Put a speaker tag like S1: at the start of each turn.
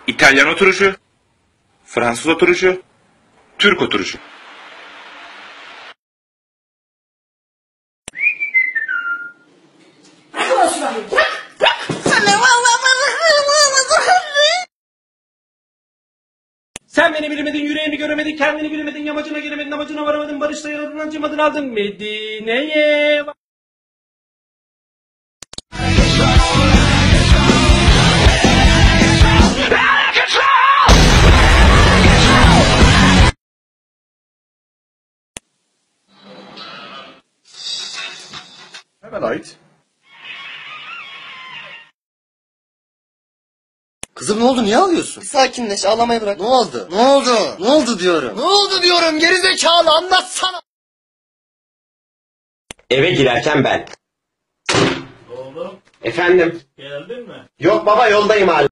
S1: İtalyan oturuşu, Fransız oturuşu, Türk oturuşu.
S2: Sen beni bilemedin, yüreğimi göremedin, kendini bilemedin, yamacına giremedin, amacına varamadın, barışta yaradın, acımadın, aldın Medine'ye.
S1: Hemen ait.
S3: Kızım ne oldu, niye ağlıyorsun?
S4: Sakinleş, ağlamayı bırak.
S3: Ne oldu? Ne oldu? Ne oldu diyorum.
S4: Ne oldu diyorum, gerizekalı, anlatsana.
S5: Eve girerken ben.
S6: Oğlum
S5: Efendim?
S6: geldin mi?
S5: Yok baba yoldayım hala.